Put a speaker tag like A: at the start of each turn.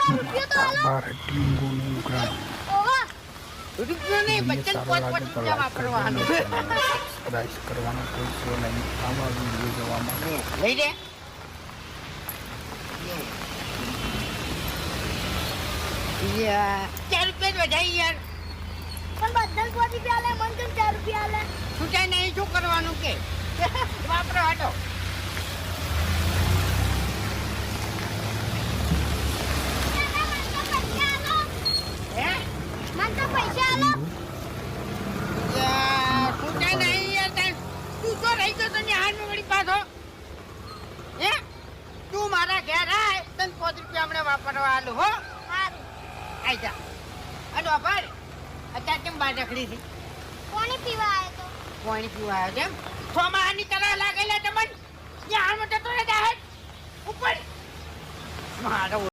A: રૂપિયો તો આલો.
B: બાર ટીંગોનું ઉઘરાણ.
A: ઓવા.
C: રૂપિયો નહીં બચ્ચન પોત પોત પૂજા વાપરવાનું
B: સબસ્ક્રાઇબ કરવાનો કોઈ નહીં. આવા વિડીયો જોવા માટે
C: લઈ દે યાર 4 રૂપિયા વધારી યાર
A: પણ બધા 5 રૂપિયા આલે, મન કેમ 4 રૂપિયા આલે?
C: છૂટાય નહીં શું કરવાનું કે વાપરો હાટો હે
A: મન તો પૈસા આલો.
C: યાર છૂટાય નહીં યાર તું તો રહી ગયો તને હાથ વળી પાછો હે તું મારા ઘેર આય તને 5 રૂપિયા હમણાં વાપરવા આલું હો
A: હારું.
C: આઈ જા અડો ભાઈ અત્યારે કેમ બહાર રખડી છે
A: કોની પીવા આયો તો?
C: પાણી પીવા આવ્યો છે એમ સોમાહાની કરા લાગેલા તમને ત્યાં હાલ મોટો તો રહે ઉપર મારો